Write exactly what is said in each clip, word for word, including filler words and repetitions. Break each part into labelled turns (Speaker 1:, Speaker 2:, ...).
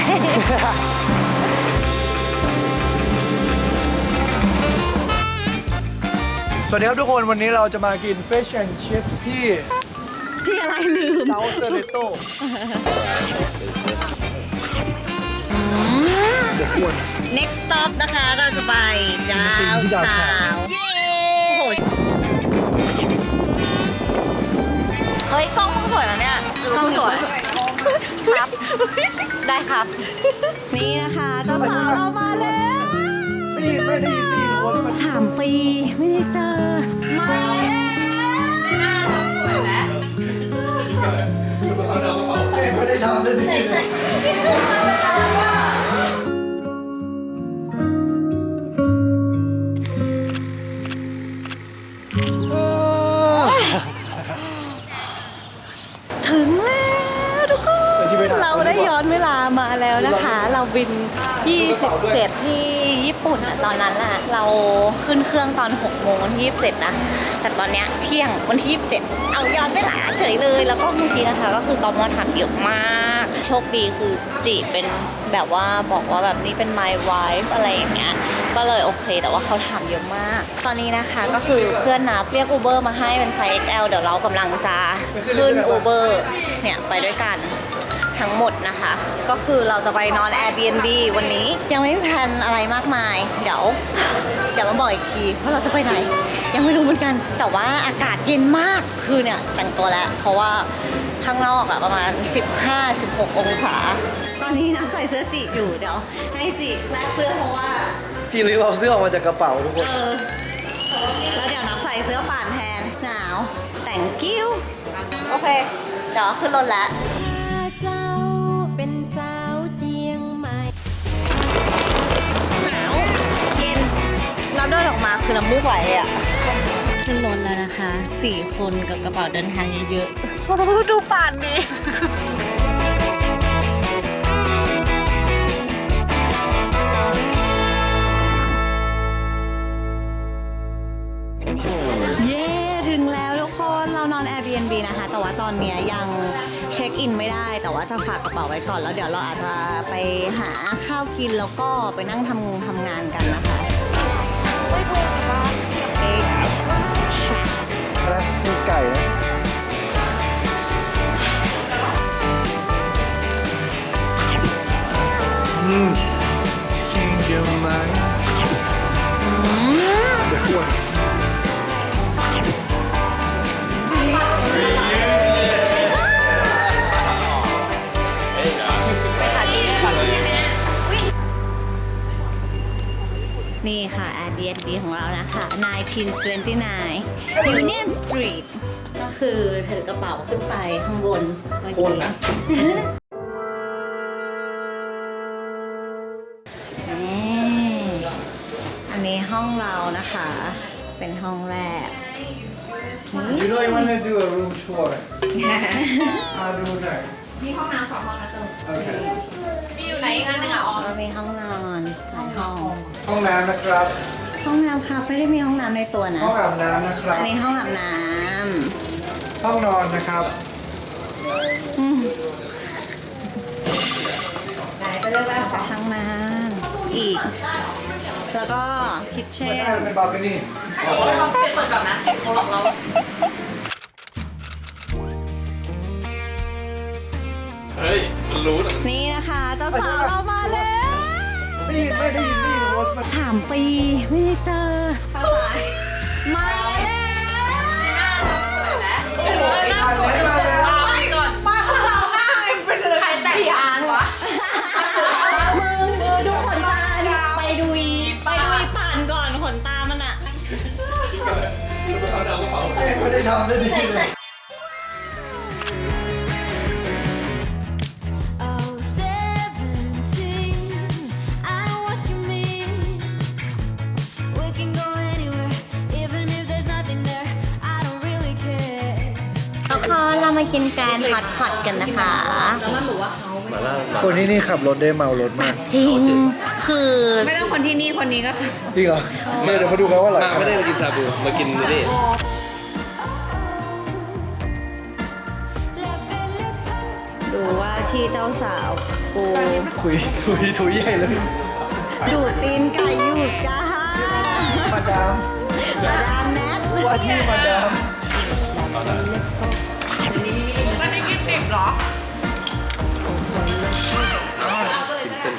Speaker 1: สวัสดีครับทุกคนวันนี้เราจะมากิน Fish and Chips ที่
Speaker 2: ที่อะไรลืม
Speaker 1: เซาเซอร์เรโต้
Speaker 2: next stop นะคะเราจะไปดาวเทาวน์เย้โอ้โหเฮ้ยกล้องมึงสวยนะเนี่ยกล้องสวยครับได้ครับนี่นะคะเจ้าสาวเรามาแล้ว
Speaker 1: ไม่ได้ไม่ได้ยินไม่ได้ยินโอ้ย
Speaker 2: สามปีไม่ได้เจอมา
Speaker 1: ไม่ได้ทำเลยสิ
Speaker 2: ถึงแล้วทุกคนเราได้ย้อนเวลามาแล้วนะคะเราบินยี่สิบเจ็ดที่ญี่ปุ่นอะตอนนั้นอะเราขึ้นเครื่องตอนหกโมงวันที่ยี่สิบเจ็ดนะแต่ตอนเนี้ยเที่ยงวันที่ยี่สิบเจ็ดเอาย้อนเวลาเฉยเลยแล้วก็เมื่อกี้นะคะก็คือตอมอถามเยอะมากโชคดีคือจีเป็นแบบว่าบอกว่าแบบนี้เป็น my wife อะไรอย่างเงี้ยก็เลยโอเคแต่ว่าเขาถามเยอะมากตอนนี้นะคะก็คือเพื่อนนับเรียก Uber มาให้เป็นไซส์ เอ็กซ์ แอล เดี๋ยวเรากำลังจะขึ้น Uber เนี่ยไปด้วยกันทั้งหมดนะคะก็คือเราจะไปนอน Airbnb วันนี้ยังไม่มีแพลนอะไรมากมายเดี๋ยวเดี๋ยวมาบอกอีกทีว่าเราจะไปไหนยังไม่รู้เหมือนกันแต่ว่าอากาศเย็นมากคือเนี่ยแต่งตัวแล้วเพราะว่าข้างนอกอะประมาณ สิบห้า สิบหก องศาตอนนี้น้ำใส่เสื้อจีอยู่เดี๋ยวให้จีแลกเสื้อเพราะว่า
Speaker 1: จีรีบเอาเสื้อออกมาจากกระเป๋าทุกคน
Speaker 2: เออแล้วเดี๋ยวน้ำใส่เสื้อป่านแทนหนาวแต่งกิ้วโอเคเดี๋ยวขึ้นรถแล้วเจ้าเป็นสาวเจียงใหม่หนาวเย็นเราเดินออกมาคือน้ำมูกไหลอ่ะขึ้นรถแล้วนะคะสี่คนกับกระเป๋าเดินทางเยอะๆดูป่านดิเย้ถึงแล้วทุกคนเรานอน Airbnb นะคะแต่ว่าตอนนี้ยังเช็คอินไม่ได้แต่ว่าจะฝากกระเป๋าไว้ก่อนแล้วเดี๋ยวเราอาจจะไปหาข้าวกินแล้วก็ไปนั่งทำงงทำงานกันนะคะไม่พูดแต่ว่าเอ๊ะ
Speaker 1: นะมีไก่นะอืม change your mind เดี๋ยวควร
Speaker 2: นี่ค่ะ Airbnb ของเรานะคะหนึ่งพันเก้าร้อยยี่สิบเก้า Union Street ก็คือถือกระเป๋าขึ้นไปข้างบนเมื่อกี้อันนี้ห้องเรานะคะเป็นห้องแรก
Speaker 1: You know you want to do a room tour อ่าดูหน่อย
Speaker 3: มีห้องน้ำสองห้องนะจ๊ะ
Speaker 1: โอเค
Speaker 3: มีอยู่ไหนอีกอันหนึ่งอ่ะอ๋อ
Speaker 2: เรามีห้องนอนหลายห้อง
Speaker 1: ห้องน้ำนะครับ
Speaker 2: ห้องน้ำค่ะไม่ได้มีห้องน้ำในตัวนะ
Speaker 1: ห้องอาบน้ำนะครับ
Speaker 2: อันนี้ห้องอาบน้ำ
Speaker 1: ห้องนอนนะครับ
Speaker 2: ไหนไปเรื่อยๆขอห้องน้ำอีกแล้วก็คิทเช่น
Speaker 1: เป็นบาร์เกนี่
Speaker 3: เราเปิดก่อนนะเขาหลอกเรา
Speaker 4: เฮ้ย มันรู้นะ
Speaker 2: นี่นะคะเจ้าสาวเรามาแล้ว
Speaker 1: ไม่ได้ยินไม่ได้ยินไม่ได้ยินว่ามัน
Speaker 2: สามปีไม่ได้เจอมาแล้ว
Speaker 3: โอ้ยน่าสวยเลยไปก่อนป้าเขาเราหน้าเป็นเลยใครแต่งงานวะ
Speaker 2: มึงดูดูขนตาดิไปดูอีไปดูอีป่านก่อนขนตามันอะ
Speaker 1: ไม่ได้ทำเลยทีเลย
Speaker 2: เรามากินแกนฮอตฮอตกันนะคะแล้วมันบอกว่าเขา
Speaker 1: คนที่นี่ขับรถได้เมารถมาก
Speaker 2: จริงคือ
Speaker 3: ไม่ต้องคนที่นี่คนนี้ก็ค่ะ
Speaker 1: จริงเหรอเดี๋ยวมาดูกันว่าอร่อย
Speaker 4: มาไม่ได้มากินชาบู มากินนี่
Speaker 2: ดูว่าที่เจ้าสาวปกู
Speaker 1: ถุยถุยถุยใหญ่เลย
Speaker 2: ดูดตีนไก่อยู่จ้า
Speaker 1: มาดาม
Speaker 2: มาดามแนท
Speaker 1: ว่าที่มาดาม
Speaker 3: ไม่ได้กินดิบเหรอ
Speaker 4: กินเส้น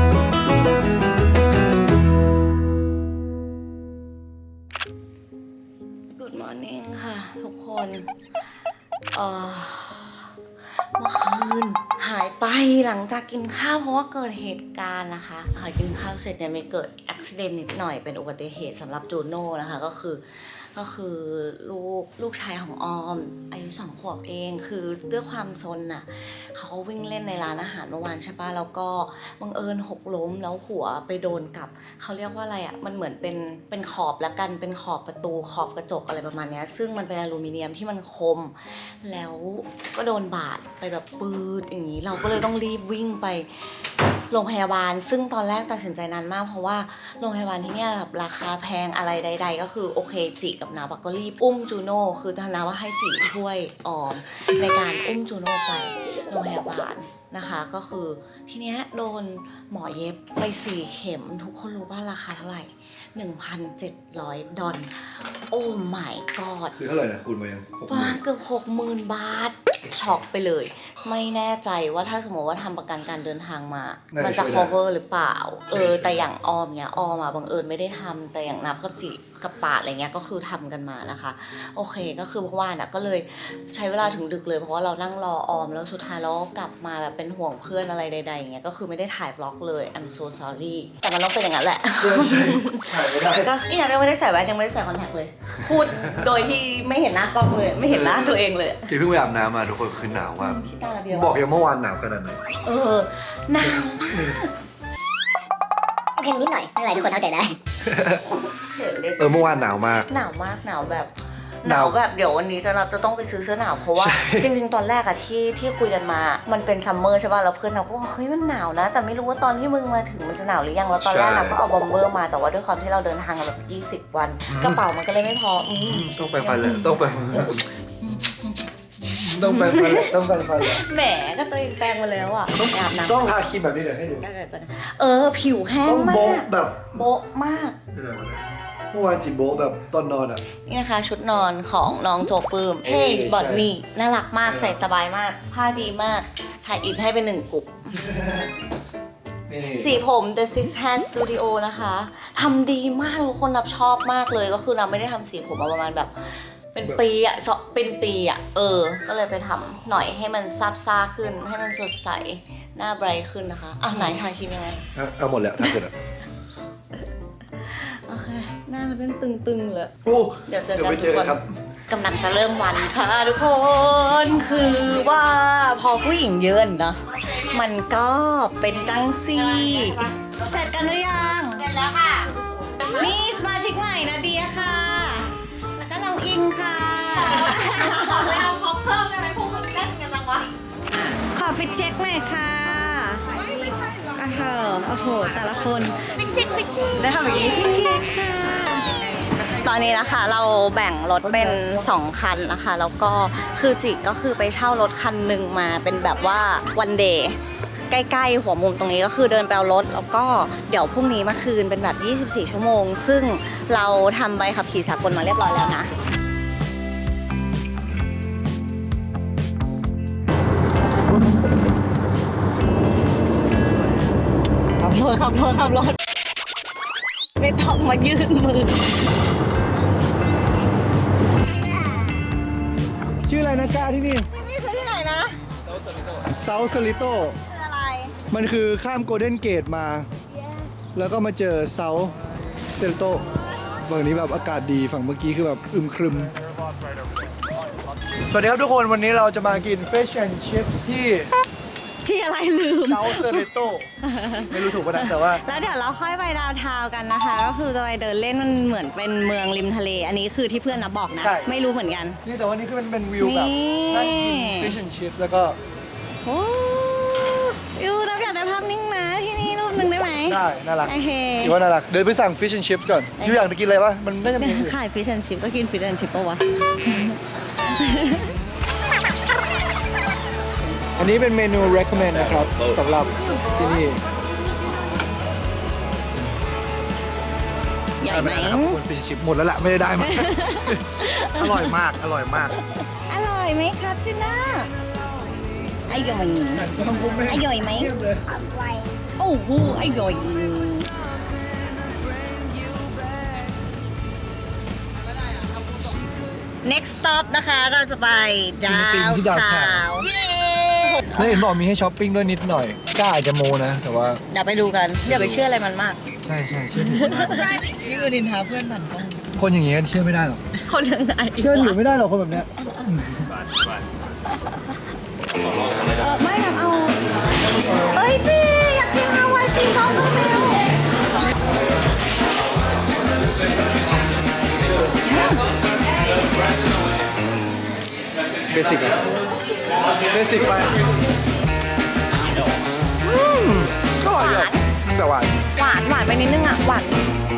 Speaker 2: Good morning ค่ะทุกคนเอ่อเมื่อคืนหายไปหลังจากกินข้าวเพราะว่าเกิดเหตุการณ์นะคะหายกินข้าวเสร็จเนี่ยไม่เกิดอุบิเหตุนิดหน่อยเป็นอุบัติเหตุสำหรับจูโน่นะคะก็คือก็คือลูกลูกชายของออมอายุสองขวบเองคือด้วยความซนน่ะเขาก็วิ่งเล่นในร้านอาหารเมื่อวานใช่ปะแล้วก็บังเอิญหกล้มแล้วหัวไปโดนกับเขาเรียกว่าอะไรอ่ะมันเหมือนเป็นเป็นขอบละกันเป็นขอบประตูขอบกระจกอะไรประมาณนี้ซึ่งมันเป็นอลูมิเนียมที่มันคมแล้วก็โดนบาดไปแบบปืดอย่างนี้เราก็เลยต้องรีบวิ่งไปโรงพยาบาลซึ่งตอนแรกตัดสินใจนานมากเพราะว่าโรงพยาบาลที่เนี่ยแบบราคาแพงอะไรใดๆก็คือโอเคจิกับนาบก็รีบอุ้มจูโน่คือทนาว่าให้จิช่วยออมในการอุ้มจูโน่ไปโรงพยาบาลนะคะก็คือทีเนี้ยโดนหมอเย็บไปสี่เข็มทุกคนรู้ว่าราคาเท่าไหร่ หนึ่งพันเจ็ดร้อย ดอลโอ้ my god
Speaker 1: คือเท่าไหร่นะคุณมายังหกห
Speaker 2: บ้า
Speaker 1: มื่
Speaker 2: น
Speaker 1: น
Speaker 2: เกือบหกหมื่นบาทช็อกไปเลย ไม่แน่ใจว่าถ้าสมมติว่าทำประกันการเดินทางมา มันจะ cover หรือเปล่าเออแต่อย่างออมเนี้ยออมอ่ะบังเอิญไม่ได้ทำแต่อย่างนับกับจิกับปาดอะไรเงี้ยก็คือทำกันมานะคะโอเคก็คือเมื่อวานอ่ะก็เลยใช้เวลาถึงดึกเลยเพราะว่าเรานั่งรอออมแล้วสุดท้ายเราก็กลับมาแบบเป็นห่วงเพื่อนอะไรใดๆอย่างเงี้ยก็คือไม่ได้ถ่ายบล็อกเลย I'm so sorry แต่มันต้องเป็นอย่างนั้นแหละ
Speaker 1: เพื่อนใช่ถ่ายไม่ได้
Speaker 2: ก็นี่ยังไม่ได้ใส่แว่นยังไม่ได้ใส่คอนแทคเลย พูดโดยที่ไม่เห็นหน้ากล้องเลยไม่เห็นหน้าตัวเองเลย
Speaker 1: จีเพิ่งไปอาบน้ำมาทุกคนคือหนาวมาก
Speaker 2: ชิตาเบียว
Speaker 1: บอกยังเมื่อวานหนาวขนาดไหน
Speaker 2: เออหนาวมาก
Speaker 5: โอเคมีนิดหน่อย ไม่เป็นไรทุกคนเข้าใจได้
Speaker 2: เห็นเลย
Speaker 1: เออเมื่อวานหนาวมาก
Speaker 2: หนาวมากหนาวแบบห
Speaker 1: หนาน
Speaker 2: าว วแบบเดี๋ยววันนี้จะเราจะต้องไปซื้อเสื้อหนาวเพราะว่า
Speaker 1: ใช่
Speaker 2: จริงๆตอนแรกอะที่ที่คุยกันมา มันเป็นซัมเมอร์ใช่ป่ะแล้วเพื่อนเราก็บอกเฮ้ยมันหนาวนะ แต่ไม่รู้ว่าตอนที่มึงมาถึงมันจะหนาวหรือยังแล้วตอนแรกเราก็เอาบอมเบอร์มาแต่ว่าด้วยความที่เราเดินทางกันแบบยี่สิบวันกระเป๋ามันก็เลยไม่พออืม
Speaker 1: ต้องไปฟันเลยต้องไปต้องไปฟันเลยต้องไปฟันเลย
Speaker 2: แหมก็ตัวเองแปลงมาแล้วอ่ะอาบน้ำ
Speaker 1: ต้องทาครีมแบบนี้เดี๋ยวให้ดู
Speaker 2: ก็เกิดจะเออผิวแห้ง
Speaker 1: ต้อง
Speaker 2: มา
Speaker 1: โบ๊ะ
Speaker 2: ก
Speaker 1: แบบ
Speaker 2: โบ๊ะมาก
Speaker 1: เมื่อวานจีโบ๊ะแบบตอนนอนอ่ะ
Speaker 2: นี่นะคะชุดนอนของน้องโจปื้ม
Speaker 1: เอ้
Speaker 2: เฮ้
Speaker 1: ย
Speaker 2: บอดนี่
Speaker 1: ใช่
Speaker 2: น่ารักมากใส่สบายมาก ผ้าดีมาก ถ่ายอินให้เป็นหนึ่งกลุ่ม
Speaker 1: นี่
Speaker 2: สีผม The Six Hair Studio นะคะทำดีมากทุกคนนับชอบมากเลยก็คือนับไม่ได้ทำสีผมมาประมาณแบบ เป็นปีอะสองเป็นปีอะเออ ก็เลยไปทำหน่อยให้มันซาบซ่าขึ้น ให้มันสดใสหน้าไบรท์ขึ้นนะคะอ่ะไหนทาครีมยังไง
Speaker 1: อ่ะเอาหมดแล้วทาเสร็จแล้ว
Speaker 2: โอเคหน้าเราเป็นตึงๆเลย
Speaker 1: โอ้
Speaker 2: เดี๋ยวเจอ
Speaker 1: เดี๋ยว
Speaker 2: กัน
Speaker 1: ไป
Speaker 2: ทุ
Speaker 1: เจ
Speaker 2: ก
Speaker 1: อ
Speaker 2: ค
Speaker 1: กัน
Speaker 2: น
Speaker 1: ครับ
Speaker 2: กำลังจะเริ่มวันค่ะทุกคน คือว่าพอผู้หญิงเยอะเนอะมันก็เป็นจังซี่เสร็จกันหรือยัง
Speaker 3: เสร็จแล้วค่ะ
Speaker 2: นี่สมาชิกใหม่นะเดียค่ะ แล้วก็น้องอิงค่ะ
Speaker 3: ขอไปเอาพ็อปเพิ่มได้ไหมพวกมึงเล่นกันจังวะ
Speaker 2: ขอฟิตเช็คหน่อยค่ะโอ้โหโอ้โหแต่ละคน
Speaker 3: ฟิกซิกฟิกซิก
Speaker 2: ได้ทำอย่างนี้ฟิตเช็คค่ะ ตอนนี้นะคะเราแบ่งรถเป็นสองคันนะคะ แล้วก็คือจิกก็คือไปเช่ารถคันหนึ่งมาเป็นแบบว่าวันเดย์ใกล้ๆหัวมุมตรงนี้ก็คือเดินไปเอารถแล้วก็เดี๋ยวพรุ่งนี้มาคืนเป็นแบบยี่สิบสี่ชั่วโมง ซึ่งเราทำใบขับขี่สากลมาเรียบร้อยแล้วนะขับรถขับรถขับรถไม่ต้องมายื่นมือ
Speaker 1: ชื่ออะไรนะก้าที่นี่
Speaker 2: นี่คือที่ไหนนะ
Speaker 1: เซาสลิโต
Speaker 2: คืออะไร
Speaker 1: มันคือข้ามโกลเด้นเกตมา แล้วก็มาเจอเซาเซลิโตฝั่งนี้แบบอากาศดีฝั่งเมื่อกี้คือแบบอึมครึม สวัสดีครับทุกคนวันนี้เราจะมากิน Fish and Chips ที่
Speaker 2: ที่อะไรลืม
Speaker 1: เซาเซลิโตไม่รู้ถูกป่ะนะแต่ว่า
Speaker 2: แล้วเดี๋ยวเราค่อยไปดาวน์ทาวน์กันนะคะ ก็คือจะไปเดินเล่นมันเหมือนเป็นเมืองริมทะเล อันนี้คือที่เพื่อนนับบอกนะ
Speaker 1: ใช่
Speaker 2: ไม่รู้เหมือนกัน
Speaker 1: นี่แต่ว่านี่คือมันเป็นวิวแบบ
Speaker 2: นี่
Speaker 1: นั่งกิน Fish and Chips แล้วก็
Speaker 2: โอ้ยูนับอยากได้ภาพนิ่งนะที่นี่รูปหนึ่งได้ไหม
Speaker 1: ได้น่ารัก
Speaker 2: โอเค
Speaker 1: ถือว่าน่ารักเดินไปสั่ง Fish and Chips ก่อนยูอยากจะกินอะไรปะมันน่าจะมีอยู่
Speaker 2: ขายฟิชแอนชิพก็กินฟิชแอนชิพปะวะ
Speaker 1: เออันนี้เป็นเมนู recommend นะครับสำหรับที่นี่
Speaker 2: ใหญ่ไหม
Speaker 1: ครับคุณฟิชชิปหมดแล้วแหละไม่ได้ได้มา อร่อยมากอร่อยมาก
Speaker 2: อร่อยไหมครับจูน่าอร่อยอร่อยไหมโอ้โหอร่อย next stop นะคะเราจะไปดาว
Speaker 1: ที่ดาว
Speaker 2: ทา
Speaker 1: ทาว
Speaker 2: วเย้
Speaker 1: แล้วเห็นบอกมีให้ช้อปปิ้งด้วยนิดหน่อยกล้าอาจจะโมนะ แต่ว่า
Speaker 2: เดี๋ยวไปดูกันอย่าไปเชื่ออะไรมันมาก
Speaker 1: ใช่ใช่เชื่อถือไม่ได้
Speaker 3: นี่คือดินทาเพื่อนผ่านกล้อง
Speaker 1: คนอย่างงี้เชื่อไม่ได้หรอก
Speaker 2: คนยังไง
Speaker 1: เชื่อถือไม่ได้หรอกคนแบบเนี้ย
Speaker 2: เออไม่ทำเอาเอ้ยจีอยากกินฮาวายซีซอสเร็ว
Speaker 1: เบสิกอะเบสิกไปอืมก็อร่อยอยู่แต่หวาน
Speaker 2: หวานหวานไปนิดนึงอ่ะหวาน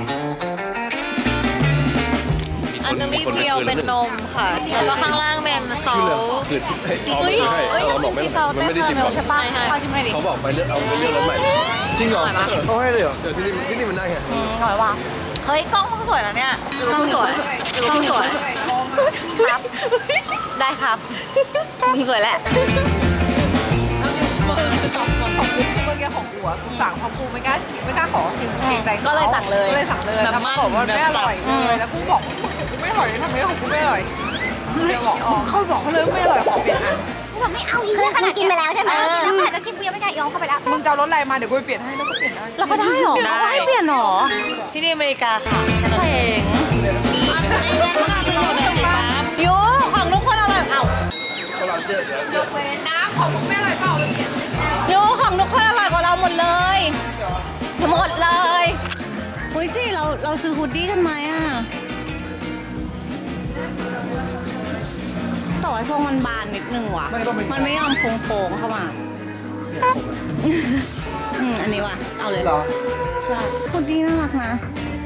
Speaker 2: อันนี้เดียวเป็นนมค่ะแล้วก็ข้างล่างเป็นซอส
Speaker 4: คือเอาไม่ใช่เราบอกไม่มันไม่ได้ชิมก่อน
Speaker 2: ใช่ป่ะพอชิมหน่อยดิ
Speaker 4: เขาบอกไปเลือกเอาไปเลือกรถใหม่
Speaker 1: จริงเหรอเขาให้เลยเหรอ
Speaker 4: เดี๋ยวที่นี่ที่นี่มันได้ไง
Speaker 2: อร่อยว่ะเฮ้ยกล้องมึงสวยนะเนี่ยกล้องสวยกล้องสวยครับได้ครับมึงสวยแหละ
Speaker 3: เมื่อกี้ของกูอะกูสั่งเพราะกูไม่กล้าชิมไม่กล้าขอชิมเกรงใจเขา
Speaker 2: ก็เลยสั่งเลย
Speaker 3: ก็เลยสั่งเลยแล้วปรากฏว่าไม่อร่อยเลยแล้วกูบอกของกูไม่อร่อยเลยทำไมของกูไม่อร่อยกูเลยบอกเขาบอกเขาเลยไม่อร่อยขอเปลี่ยนอัน
Speaker 5: กูแบบไม่เอาอีกคือขนาดกินไปแล้วใช่ไหมกินแล้วขนาดจะชิมกูยังไม่กล้ายอมเข้าไปแล้ว
Speaker 3: มึงจะเอารสอะไรมาเดี๋ยวกูไปเปลี่ยนให้แล้วก็เปลี่ยนได้
Speaker 2: แล้วก็ได้หรอได้เปลี่ยนหรอที่นี่อเมริกาค่ะเจ๋งยูของทุกคนอร่อยเอ้า
Speaker 3: น้ำของมึงไม่อร่อยเปล่าไปเปลี่ยน
Speaker 2: ยูของทุกคนอร่อยกว่าเราหมดเลยหมดเลยอุ้ยจีเราเราซื้อฮูดดี้กันไหมอ่ะแต่ว่าทรงมันบานนิดนึงว่ะมันไม่ยอมโค้งๆเข้ามาอืมอันนี้ว่ะเอาเลย
Speaker 1: เหรอ
Speaker 2: ใช่ฮูดดี้น่ารักนะ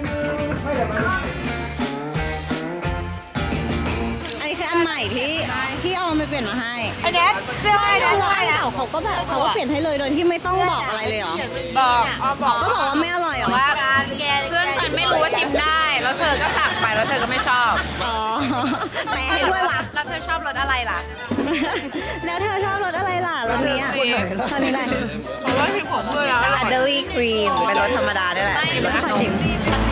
Speaker 2: อันนี้คืออันใหม่ที่ที่เอาไปเปลี่ยนมาให้
Speaker 3: อันนี้เสื้ออะไรนะ
Speaker 2: เสื้อเก่าเขาก็แบบเขาก็เปลี่ยนให้เลยโดยที่ไม่ต้องบอกอะไรเลยเหรอ
Speaker 3: บอกอ๋อบอก
Speaker 2: ก็บอกว่าไม่อร่อยเหรอ
Speaker 3: ว่าเพื่อนฉันไม่รู้ว่าชิมได้ แล้วเธอก็สั่งไปแล้วเธอก็ไม่ชอบ
Speaker 2: อ๋อแปลให้ด้วยวะ
Speaker 3: แล้วเธอชอบรสอะไรล่ะ
Speaker 2: แล้วเธอชอบรสอะไรล่ะรสนี้อ่ะรสนี้อะไร
Speaker 3: เพราะว่าชิมของเพื่อนแล้วอัลเดอรี่ครีมเป็นรสธรรมดาได้แหละรสขนม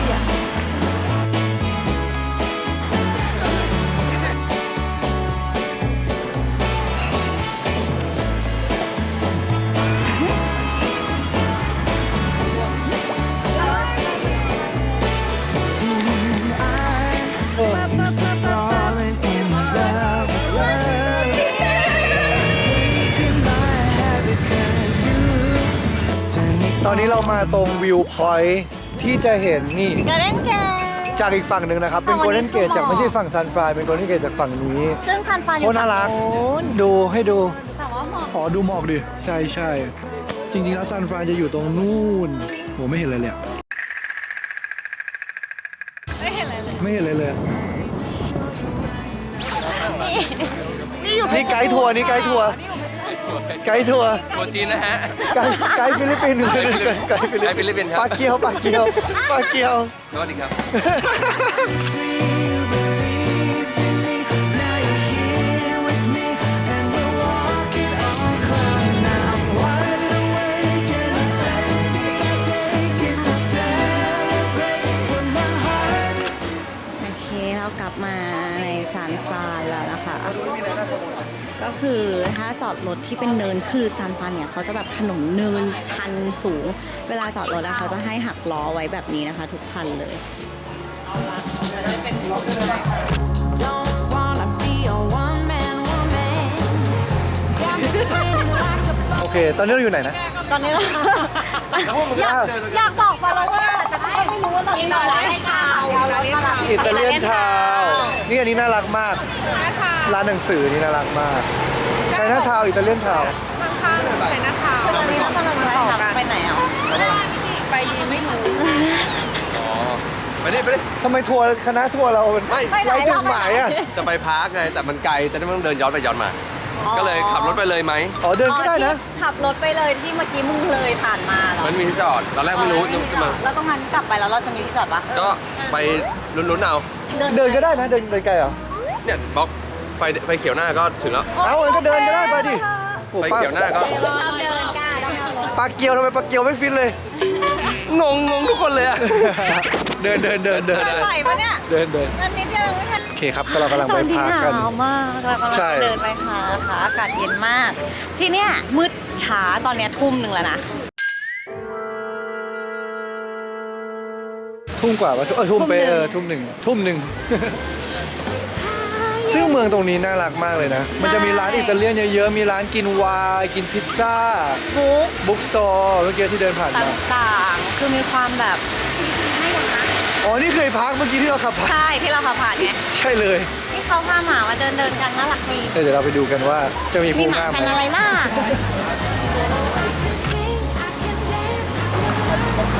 Speaker 1: ตอนนี้เรามาตรงวิวพอยท์ที่จะเห็นนี่
Speaker 2: กระเด้นเกต
Speaker 1: จากอีกฝั่งหนึ่งนะครับ เป็นโกลเด้นเกตจากไม่ใช่ฝั่งซันฟรายเป็นโกลเด้นเกตจากฝั่งนี้
Speaker 2: ซึ่งคันฟานอ
Speaker 1: โค
Speaker 2: ยู่
Speaker 1: ตรน่ารัก
Speaker 2: ฝั่งนู้น
Speaker 1: ดูให้ดู
Speaker 2: แต่ว่าหมอก
Speaker 1: ขอดูหมอกดิ ใช่ใช่จริงๆแล้วซันฟรายจะอยู่ตรงนู่นโหไม่เห็นเลยเลยอะ
Speaker 2: ไม่เห็นอะไรเลย
Speaker 1: ไม่เห็นเลยเลย
Speaker 2: นี่อยู่
Speaker 1: นี่ไกด์ทัวร์นี่ไกด์ทัวร์ไกด์ทัวร์
Speaker 4: ตัวจีนนะฮะ
Speaker 1: ไกด์ไกด์ฟิลิปปินส์ไกด์ฟิลิป
Speaker 4: ไกด์ฟิลิปปินส์ครับ
Speaker 1: ปลาเกียวปลาเกียวปลาเกียว
Speaker 4: สวัสดีครับ
Speaker 2: โอเคเรากลับมาในซานฟรานแล้วนะคะ ก็คือถ้าจอดรถที่เป็นเนินคือซานฟรานเนี่ยเขาจะแบบถนนเนินชันสูง เวลาจอดรถอะเขาจะให้หักล้อไว้แบบนี้นะคะ ทุกคันเลย
Speaker 6: Don't wanna be a one man woman. Got me spinning like a
Speaker 1: โอเค ตอนนี้เราอยู่ไหนนะ
Speaker 2: ตอนนี้เราอยากอยากบอกฟอลโลเวอร์แต่ก็ไม่รู้ว่าตอนนี้เราอะไรให้ข่าว
Speaker 1: อิตาเลียนทาวน์นี่อันนี้น่ารักมาก ร้านหนังสือนี่น่ารักมากไชน่าทาวน์อิตาเลียนทาวน์
Speaker 3: ข้างๆใช้หน้าเท้า
Speaker 2: ตอนนี้เรากำลังจะทำไปไหนอ่ะ
Speaker 3: ไปไม่รู้
Speaker 4: อ๋อ ไปดิไปดิ
Speaker 1: ทำไมทัวร์คณะทัวร์เรา
Speaker 4: ไม่
Speaker 1: ไร้จุดหมายอ่ะ
Speaker 4: จะไปพาร์คไง แต่มันไกล แต่นี่มันต้องเดินย้อนไปย้อนมา
Speaker 1: อ
Speaker 4: ก็เลยขับรถไปเลยไหม
Speaker 1: อ๋อเดินก็ได้นะ
Speaker 2: อ๋อที่ขับรถไปเลยที่เมื่อกี้มึงเลยผ่านมาเหรอ
Speaker 4: มันมีที่จอด ตอนแรกไม่รู้นึกขึ้นมา
Speaker 2: แล้วตรงนั้นกลับไปแล้วเราจะมีที่จอดปะ
Speaker 4: ก็ไปลุ้นๆเอา
Speaker 1: เดินก็ได้นะเดินเดินไกลเหรอ
Speaker 4: เนี่ยบล็อกไฟไฟเขียวหน้าก็ถึงแล้ว
Speaker 1: เอางั้นก็เดินก็ได้ไปดิโอ้
Speaker 4: ไฟ
Speaker 1: ป้า
Speaker 4: เขียวหน้าก็
Speaker 2: ชอบเดินกล้าต้องเอารถ
Speaker 1: ปลาเกียวทำไมปลาเกียวไม่ฟิตเลย
Speaker 4: งงงงทุกคนเลยอะ
Speaker 1: เดินเดินเดินเดิน
Speaker 2: เดินไหวปะเนี่ย
Speaker 1: เดินเดิน
Speaker 2: อันนี้ยังไม่ทัน
Speaker 1: โอเคครับก็เรากำลังไปพักกัน
Speaker 2: ตอหนาวมากเรากำลัง
Speaker 1: ใช่
Speaker 2: เดินไปหาค่ะอากาศเย็นมาก ที่เนี้ยมืดช้าตอนเนี้ยทุ่มหนึ่งแล้วนะ
Speaker 1: ทุ่มกว่าปะเออทุ่มไปเออทุ่มหนึ่งทุ่มหนึ่ง ซึ่งเมืองตรงนี้น่ารักมากเลยนะ มันจะมีร้านอิตาเลียนเยอะๆ มีร้านกินไวน์กินพิซซ่า
Speaker 2: บุ๊ก
Speaker 1: บุ๊กสโตร์เมื่อกี้ที่เดินผ่าน
Speaker 2: ต
Speaker 1: มา
Speaker 2: ่างๆ คือมีความแบบให้กันนะ
Speaker 1: อ๋อ นี่เคยพักเมื่อกี้ที่เราขับผ่าน
Speaker 2: ใช่ที่เราขับผ่านไง
Speaker 1: ใช่เลย
Speaker 2: ที่เขาพาหมามาเดินเดินๆกันน่ารักดี
Speaker 1: เดี๋ยวเราไปดูกันว่าจะมี
Speaker 2: มี
Speaker 1: ผู้
Speaker 2: หมา
Speaker 1: ง่าม
Speaker 2: พัน
Speaker 1: ไหม
Speaker 2: ธุ์อะไรบ้าง
Speaker 6: Sing, I can dance, I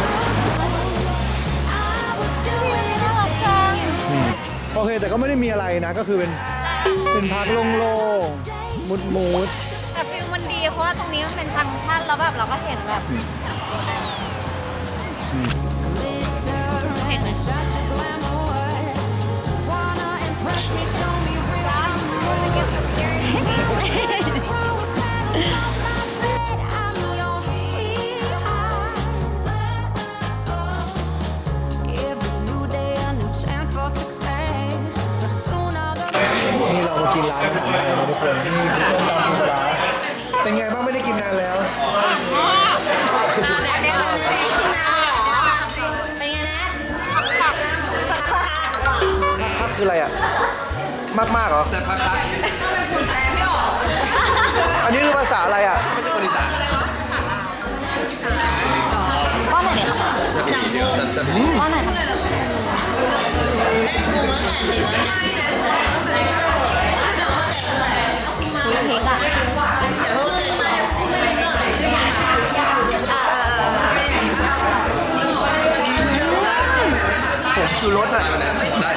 Speaker 6: would do
Speaker 2: น่ารักจัง
Speaker 1: อืมโอเค แต่ก็ไม่ได้มีอะไรนะ ก็คือเป็นเป็นพักโล่งๆ มุดมูด
Speaker 2: แต่ฟิลมันดีเพราะว่าตรงนี้มันเป็นจังชั่นแล้วแบบเราก็เห็นแบบ
Speaker 6: glitter, such a glamour. Wanna impress me, show me real. Rose petals on my bed, I'm your sweetheart. Every new day, a new chance for success. The sooner the
Speaker 1: นี่เรามากินร้านอาหารไทยนะทุกคนนี่คือส้มตำปูปลาร้าเป็นไงบ้างไม่ได้กินนานแล้ว พักคืออะไรอ่ะ มากมากๆเหรอ
Speaker 4: แซ่บพัก
Speaker 1: อันนี้คือภาษาอะไรอ่ะ
Speaker 4: ไม่ใช่คนอีสาน
Speaker 2: ว่าไหนคะ
Speaker 4: แซ่บอีกเดียวแซ่บแซ่บ
Speaker 2: ว่าไหนคะมีพริกอ่ะ
Speaker 1: ผมชูรสอ่ะ
Speaker 4: ได้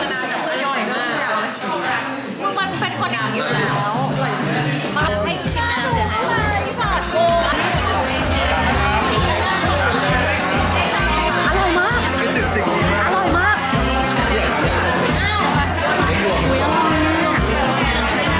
Speaker 2: มันเป็นคนอย่างนี้อยู่แล้วมาให้ชิมน้ำเดี๋ยวนะอร่อยมาก
Speaker 1: คิดถึงสิ่งนี้มาก
Speaker 2: อร่อยมากอุ๊ยอร่อยมาก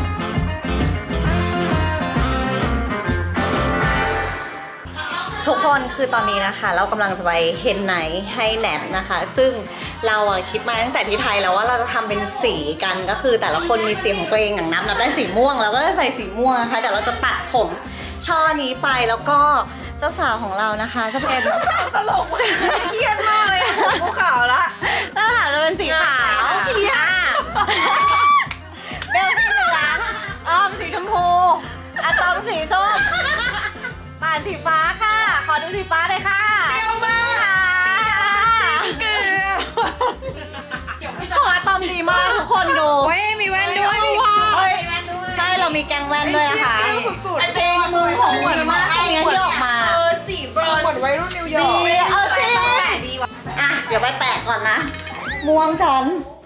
Speaker 2: ทุกคนคือตอนนี้นะคะ เรากำลังจะไปเฮนไนท์ให้แนทนะคะ ซึ่งเราอะคิดมาตั้งแต่ที่ไทยแล้วว่าเราจะทำเป็นสีกันก็คือแต่ละคนมีสีของตัวเองอย่างนับนับได้สีม่วงเราก็จะใส่สีม่วงนะคะเดี๋ยวเราจะตัดผมช่อนี้ไปแล้วก็เจ้าสาวของเรานะคะจะเป็นตลกเครียดมากเลยกูขาวละเจ้าสาวจะเป็นสีขาวเครียดเบลสีเหลืองอ้อมสีชมพูอะตอมสีส้มป่านสีฟ้าค่ะขอดูสีฟ้าเลยค่ะเปรี้ยวมากเกลือของอะตอมดีมากทุกคนดู
Speaker 3: เว้ยมีแว่นด้วยดิ
Speaker 2: เฮ้ยใช่เรามีแกงแว่นด้วยนะคะ
Speaker 3: สุดๆ
Speaker 2: จริงมือของเหมือนมากเงี้ยที่ออกมา
Speaker 3: เออสีบรอนซ์เหมือนวัยรุ่นนิวยอร์ก
Speaker 2: ดีเอาจริง
Speaker 3: แปะดีว่ะ
Speaker 2: อ่ะเดี๋ยวไปแปะก่อนนะ ม่วงฉัน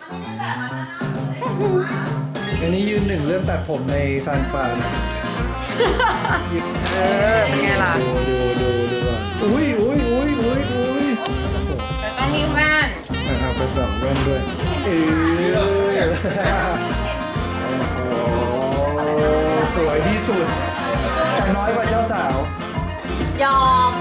Speaker 1: อันนี้ยืนหนึ่งเรื่องตัดผมในซานฟรานเออ
Speaker 3: เป็นไงล่ะ
Speaker 1: ดูดูดูดูก่อนอุ้ยอุ้ยอุ้ยอุ้ยอุ้ย
Speaker 3: ต้องมีแว่น
Speaker 1: อ่ะเอาไปสองแว่นด้วยเออโอ้โหสวยที่สุด แต่น้อยกว่าเจ้าสาว
Speaker 2: ยอม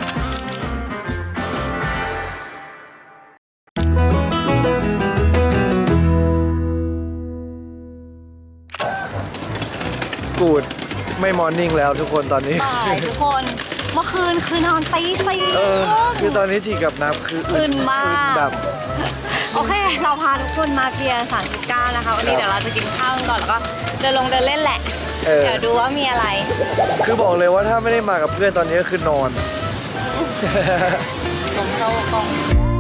Speaker 1: กูดไม่มอร์นิ่งแล้วทุกคนตอนนี้
Speaker 2: บ่ายทุกคน เมื่อคืนคือนอนตีสี่
Speaker 1: เออ คือตอนนี้จีกับนับคือ
Speaker 2: อื่นมาก
Speaker 1: แบบ
Speaker 2: โอเค เราพาทุกคนมาเบียร์สามสิบเก้านะคะ วันนี้เดี๋ยวเราจะกินข้าวกันก่อนแล้วก็เดินลงเดินเล่นแหละ
Speaker 1: เออ
Speaker 2: เดี๋ยวดูว่ามีอะไร
Speaker 1: คือบอกเลยว่าถ้าไม่ได้มากับเพื่อนตอนนี้ก็คือนอน
Speaker 2: ผมเข้ากล้อง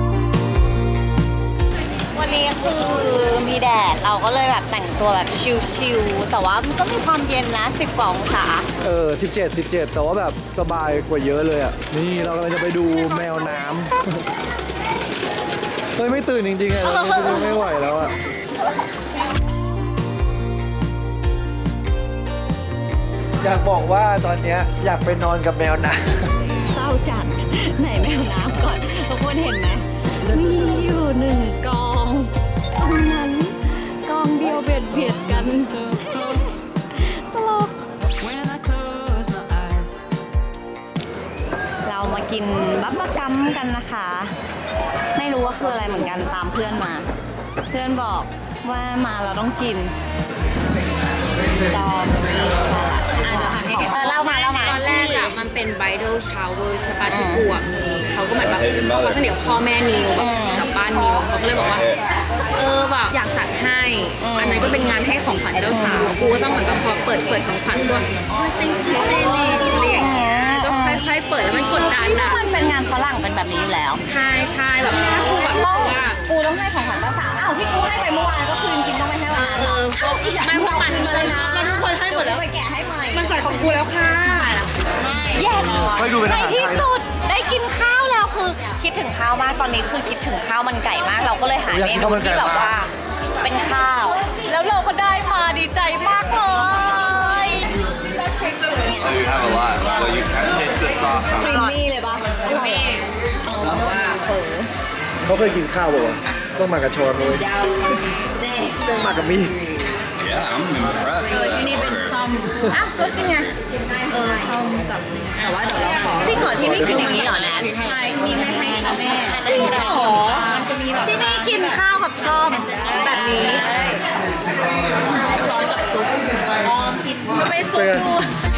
Speaker 2: วันนี้คือมีแดดเราก็เลยแบบแต่งตัวแบบชิลๆแต่ว่ามันก็มีความเย็นนะสิบกว่าองศา
Speaker 1: เออสิบเจ็ด สิบเจ็ด แต่ว่าแบบสบายกว่าเยอะเลยอ่ะ นี่เรากำลังจะไปดูแมวน้ำ เฮ้ย ไม่ตื่นจริงๆอ่ะเราไม่ไม่ไหวแล้วอ่ะอยากบอกว่าตอนเนี้ยอยากไปนอนกับแมวนะ
Speaker 2: เศร้าจัดไหนแมวน้ำก่อนทุกคนเห็นไหมมีอยู่หนึ่งกองตรงนั้นกองเดียวเบียดเบียดกัน
Speaker 6: So close
Speaker 2: ตลก
Speaker 6: when I close my eyes.
Speaker 2: เรามากินบับเบิ้ลกัมกันนะคะ ไม่รู้ว่าคืออะไรเหมือนกันตามเพื่อนมา เพื่อนบอกว่ามาเราต้องกินตอมเออเล่ามาเล่ามา
Speaker 7: ตอนแรกอะมันเป็น bridal shower ใช่ปะที่กูอะมีเขาก็เหมือนแบบเขาสนิทกับพ่อแม่นิวกับบ้านนิวเขาก็เลยบอกว่า เออแบบอยากจัดให้ อันนั้นก็เป็นงานให้ของขวัญเจ้าสาวกูก็ต้องเหมือนกับพอเปิดเปิดของขวัญตัวติ้งเจนี่อะไรอย่างเงี้ยก็ค่อยๆเปิดแล้วมันกดดัน
Speaker 2: ซึ่ง
Speaker 7: อะ
Speaker 2: มันเป็นงานฝรั่งเป็นแบบนี้อยู่แล้ว
Speaker 7: ใช่ใช่แบบถ้ากูแบบรู้สึกว่า
Speaker 2: กูต้องให้ของขวัญเจ้าสาวอ้าวที่กูให้ไปเมื่อวานก็คือจริงๆต้องไปให้วันนั้น
Speaker 7: เออไม่พวกมัน
Speaker 2: มาเลยนะ
Speaker 7: มันทุกคนให้หมดแล้ว
Speaker 2: ไปแกะให้ใหม่
Speaker 7: มันใส่ของกูแล้วค่ะ
Speaker 2: yes
Speaker 1: ไม่ดูเป็นอาหารไทย
Speaker 2: ในที่สุดได้กินข้าวแล้วคือคิดถึงข้าวมากตอนนี้คือคิดถึงข้าวมันไก่มากเราก็เลยหา
Speaker 1: อยาก
Speaker 2: เม
Speaker 1: กิน
Speaker 2: นู
Speaker 1: ข้าวมันไก่
Speaker 2: ที่แบบว่า เป็นข้าว แล้วเราก็ได้มาดีใจมากเลย
Speaker 4: Oh, you have a lot. Well, you can taste the sauce
Speaker 2: ค
Speaker 4: on
Speaker 2: รี
Speaker 4: it.
Speaker 2: มมี่เลยปะครีมมี่บอกว่าเฝอ
Speaker 1: เขาเคยกินข้าวป่าวะต้องมากับช้อนเลยต้องมากับมีด
Speaker 4: Yeah, I'm impressed.
Speaker 7: เออที่นี่เป็นซ่อมอ้าวก็เป็นไงเออซ่อมกับแต่ว่าเดี๋ยวเราขอ
Speaker 2: จริงเหรอที่นี่กินอย่างนี้เหรอแนท
Speaker 7: ใช่มีไม่ให้ค่ะแม่
Speaker 2: จริงเหรอที่นี่กินข้าวกับส้มแบบนี้ช้อนกับซุปอ๋อชิมไปซุปดู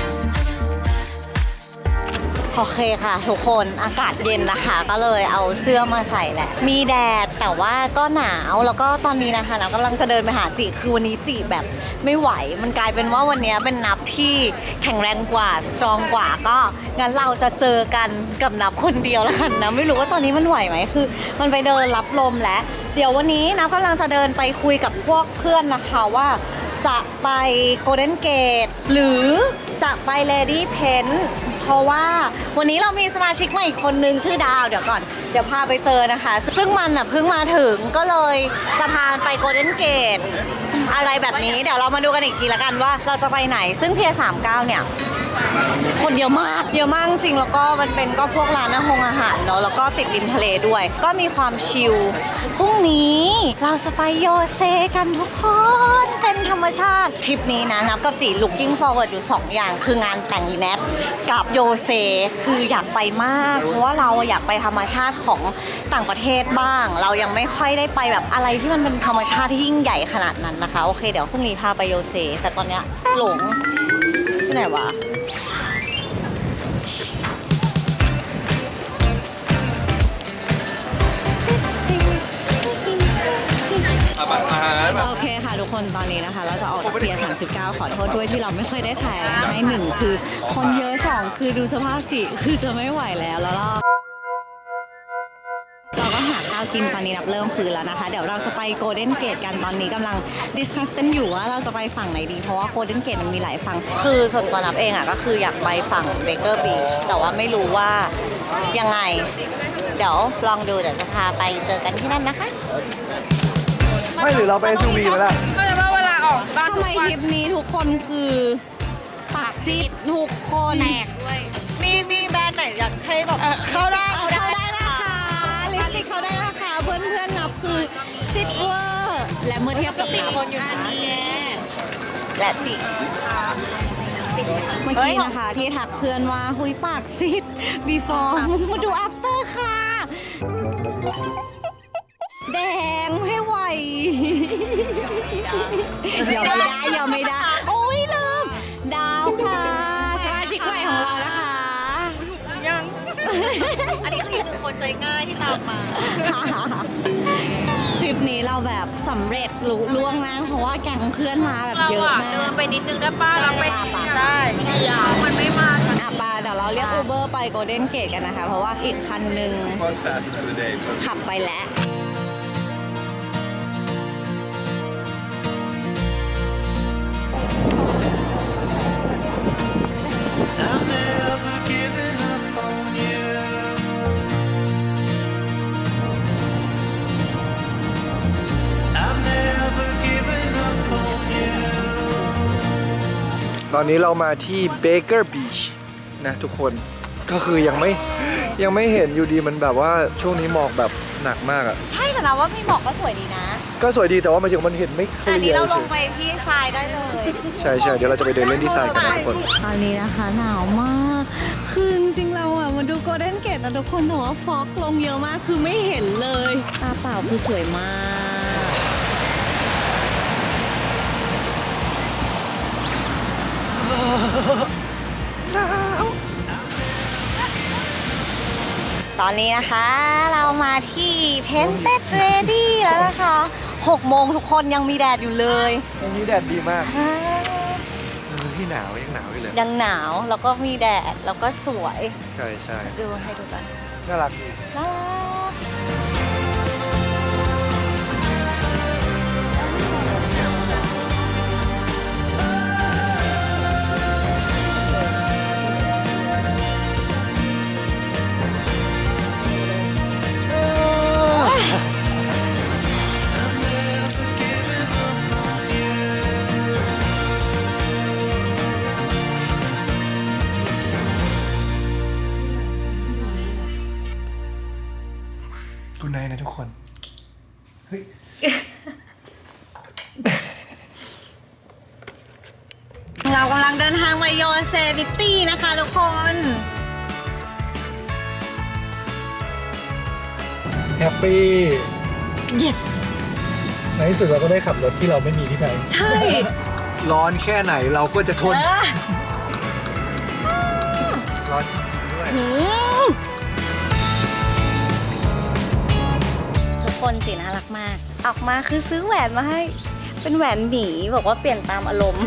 Speaker 2: โอเคค่ะทุกคนอากาศเย็นนะคะ ก็เลยเอาเสื้อมาใส่แหละ มีแดดแต่ว่าก็หนาวแล้วก็ตอนนี้นะคะเรากำลังจะเดินไปหาจีคือวันนี้จีแบบไม่ไหว มันกลายเป็นว่าวันนี้เป็นนับที่แข็งแรงกว่าสตรองกว่าก็งั้นเราจะเจอกันกับนับคนเดียวแล้วกันนะไม่รู้ว่าตอนนี้มันไหวไหมคือ มันไปเดินรับลมแล้วเดี๋ยววันนี้นะกำลังจะเดินไปคุยกับพวกเพื่อนนะคะว่า จะไปโกลเด้นเกตหรือจะไปเลดี้เพนเพราะว่าวันนี้เรามีสมาชิกใหม่อีกคนนึงชื่อดาวเดี๋ยวก่อนเดี๋ยวพาไปเจอนะคะ ซึ่งมันอ่ะเพิ่งมาถึงก็เลยจะพาไปโกลเด้นเกตอะไรแบบนี้เดี๋ยวเรามาดูกันอีกทีละกันว่าเราจะไปไหนซึ่งเพียสามเก้าเนี่ย คนเยอะมากเยอะมากจริงแล้วก็มันเป็นก็พวกร้านอาหารอาหารเนาะแล้วก็ติดริมทะเลด้วย ก็มีความชิลพรุ่งนี้เราจะไปโยเซกันทุกคนเป็นธรรมชาติทริปนี้นะนับกับจี looking forward อยู่สองอย่างคืองานแต่งอีแนทกับโยเซคืออยากไปมากเพราะว่าเราอยากไปธรรมชาติของต่างประเทศบ้าง เรายังไม่ค่อยได้ไปแบบอะไรที่มันเป็นธรรมชาติที่ยิ่งใหญ่ขนาดนั้นนะคะโอเคเดี๋ยวพรุ่งนี้พาไปโยเซแต่ตอนเนี้ยหลงที่ไหนวะโอเคค่ะทุกคนตอนนี้นะคะ เราจะออกจากเพียร์สามสิบเก้าขอโทษด้วยที่เราไม่เคยได้ถ่ายให้หนึ่งคือคนเยอะสองคือดูสภาพจิคือจะไม่ไหวแล้วแล้วเราเราก็หาข้าวกินตอนนี้นับเริ่มคืนแล้วนะคะ เดี๋ยวเราจะไปโกลเด้นเกตกันตอนนี้กำลังดิสคัสกันอยู่ว่าเราจะไปฝั่งไหนดีเพราะว่าโกลเด้นเกตมันมีหลายฝั่งคือส่วนตัวนับเองอ่ะก็คืออยากไปฝั่งเบเกอร์บีชแต่ว่าไม่รู้ว่ายังไงเดี๋ยวลองดูเดี๋ยวจะพาไปเจอกันที่นั่นนะคะ
Speaker 1: ไม่หรือเราไป เอส ยู วี มาแล้ว
Speaker 7: ก็จะว่าเวลาออกบ้าน
Speaker 2: ทำไมทริปนี้ทุกคนคือปากซีดทุกคนแตกด้วยมีมีแบรนด์ไหนอยากให้แบบเข้าได้เข้าได้นะคะลิปสติกเขาได้นะคะเพื่อนเพื่อนๆนับคือซิดเวอร์และเมื่อเทียบกับนับคนอยู่นะและจิเมื่อกี้นะคะที่ทักเพื่อนว่าหุยปากซีด before มาดู after ค่ะแดงไม่ไหวยอมไม่ได้ยอมไม่ได้โอ้ยลืมดาวค่ะสมาชิกใหม่ของเรานะคะยังอันนี้คืออีกหนึ่งคนใจง่ายที่ตามมาทริปนี้เราแบบสำเร็จลุล่วงนะเพราะว่าแก๊งเพื่อนมาแบบเยอะมากเดินไปนิดนึงได้ป้าเราไปได้ยาวมันไม่มากอ่ะป้าเดี๋ยวเราเรียกอูเบอร์ไปโกลเด้นเกตกันนะคะเพราะว่าอีกคันหนึ่ง
Speaker 4: Bus passes for the day. So
Speaker 2: ขับไปแล้ว
Speaker 8: I've never given up on you. I've never given up on you.
Speaker 1: ตอนนี้เรามาที่ Baker Beach นะทุกคนก็คือยังไม่ยังไม่เห็นอยู่ดีมันแบบว่าช่วงนี้หมอกแบบหนักมากอะ
Speaker 2: ใช่แต่นะว่ามีหมอกก็สวยดีนะ
Speaker 1: ก็สวยดีแต่ว่ามันยังมันเห็นไม่เคลี
Speaker 2: อันนี้
Speaker 1: ย
Speaker 2: เรา
Speaker 1: ร์
Speaker 2: ลงไปที่ทรายได้เลย
Speaker 1: ใช่ใช่เดี๋ยวเราจะไปเดินเล่นที่ทรายกันนะทุกคน
Speaker 2: ตอนนี้นะคะหนาวมาก คือจริงๆเราอ่ะมาดูโกลเด้นเกตนะทุกคนแต่ว่าฟอกลงเยอะมากคือไม่เห็นเลยตาเปล่าคือสวยมาก ตอนนี้นะคะเรามาที่ Painted Ready แล้วนะคะหกโมงทุกคนยังมีแดดอยู่เลย
Speaker 1: วันนี้แดดดีมากเออที่หนาวยังหนาวอยู่เลย
Speaker 2: ยังหนาวแล้วก็มีแดดแล้วก็สวย
Speaker 1: ใช่ใช่
Speaker 2: ดูให้ดูกัน
Speaker 1: น่ารักดี
Speaker 2: น่ารัก
Speaker 1: คุณนายนะทุกคนเฮ้ย
Speaker 2: เรากำลังเดินทางไปโยเซฟิตี้นะคะทุกคน
Speaker 1: แฮปปี้
Speaker 2: yes
Speaker 1: ในที่สุดเราก็ได้ขับรถที่เราไม่มีที่ไหน
Speaker 2: ใช่
Speaker 1: ร้อนแค่ไหนเราก็จะทน
Speaker 2: เออ
Speaker 1: ร้อนจริงๆด้วย
Speaker 2: หืมทุกคนจีน่ารักมาก ออกมาคือซื้อแหวนมาให้ เป็นแหวนหมีบอกว่าเปลี่ยนตามอารมณ์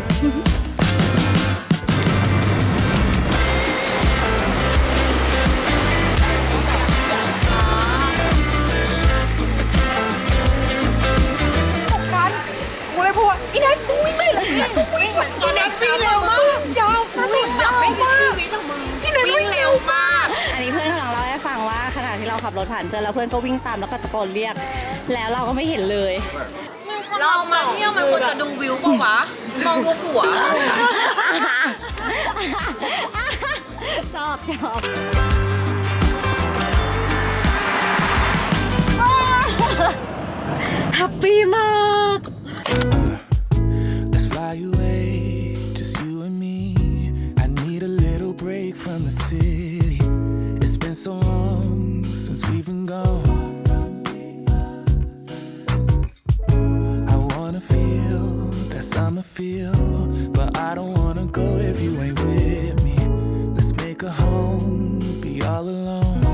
Speaker 3: กันกูเลยพูดว่าอีนัทมึงวิ่งไม่เลยมึงวิ่งเหมือนอีนัทวิ่งเร็วมากยาววิ่งยาวมากอีนัทวิ่งเร็วมาก
Speaker 2: อันนี้เพื่อนของเราให้ฟังว่าขณะที่เราขับรถผ่านเพื่อนแล้วเพื่อนก็วิ่งตามแล้วก็ตะโกนเรียก แล้วเราก็ไม่เห็นเลย
Speaker 7: เรามาเที่ยวมันควรจะดูวิวปะวะ มองดูหัว
Speaker 2: ชอบชอบแฮปปี้มาก
Speaker 8: Let's fly away, just you and me. I need a little break from the city. It's been so long since we've been gone. I wanna feel that summer feel, but I don't wanna go if you ain't with me. Let's make a home, be all alone.